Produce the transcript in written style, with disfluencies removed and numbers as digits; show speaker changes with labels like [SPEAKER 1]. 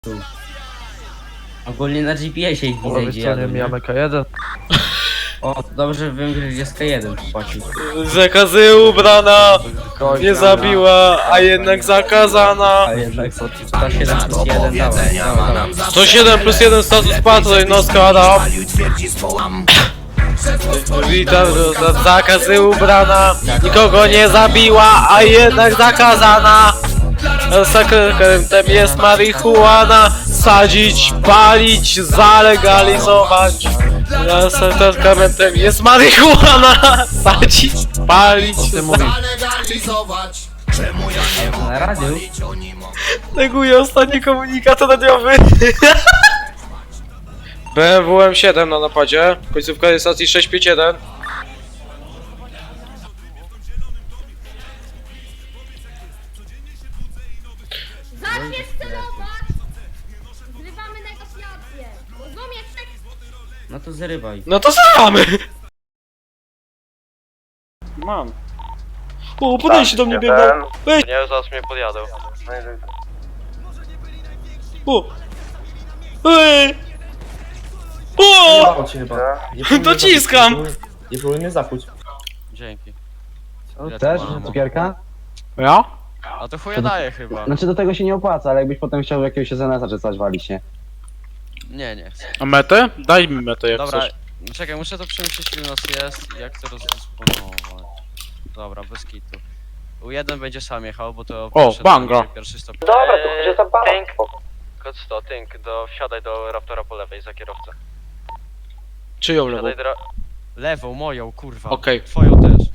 [SPEAKER 1] Ogólnie na GPS-ie ich
[SPEAKER 2] Po
[SPEAKER 1] widzę,
[SPEAKER 2] prawej
[SPEAKER 1] gdzie
[SPEAKER 2] stronie
[SPEAKER 1] jadą, nie?
[SPEAKER 2] mijamy K1.
[SPEAKER 1] O, to dobrze wiem, gdzie jest K1 płacił.
[SPEAKER 3] Zakazy ubrana, nie zabiła, a jednak zakazana.
[SPEAKER 1] A jednak 107 plus 1 dawaj.
[SPEAKER 3] 107 plus 1 status patron, no składa. Witam, zakazy ubrana, nikogo nie zabiła, a jednak zakazana. Sakramentem jest marihuana, sadzić, palić, zalegalizować. Sakramentem jest marihuana, sadzić, palić,
[SPEAKER 2] Ty mówisz.
[SPEAKER 1] Na radiu?
[SPEAKER 3] neguję ostatni komunikat radiowy. BMW M7 na napadzie, końcówka jest stacji 651.
[SPEAKER 4] Zaczniesz celować! Zrywamy negocjacje! Rozumiesz?
[SPEAKER 1] No to zrywaj.
[SPEAKER 3] No to zamy! Mam. O, podejście do mnie biegną. Weź.
[SPEAKER 5] Nie, zaraz mnie podjadą.
[SPEAKER 3] O! Ej! O!
[SPEAKER 6] Cię chyba.
[SPEAKER 3] Dociskam!
[SPEAKER 6] Nie próbuj mnie zakuć.
[SPEAKER 5] Dzięki.
[SPEAKER 7] O, też? Cukierka?
[SPEAKER 3] Ja?
[SPEAKER 5] A to chuja daje chyba.
[SPEAKER 7] Znaczy do tego się nie opłaca, ale jakbyś potem chciał jakiegoś SNS-a czy coś walić się.
[SPEAKER 5] Nie, nie chcę.
[SPEAKER 3] A metę? Daj mi metę jak
[SPEAKER 5] Dobra,
[SPEAKER 3] chcesz.
[SPEAKER 5] czekaj, muszę to przemyśleć ile nas jest i jak to rozdysponować. Dobra, bez kitu. U1 będzie sam jechał, bo to
[SPEAKER 3] banga.
[SPEAKER 5] pierwszy stop.
[SPEAKER 7] Dobra, to będzie za pan.
[SPEAKER 5] Kod 100, Tynk, wsiadaj do Raptora po lewej za kierowcę.
[SPEAKER 3] Czyją lewą?
[SPEAKER 5] Wsiadaj do... Lewą, moją, kurwa.
[SPEAKER 3] Okej.
[SPEAKER 5] Twoją też.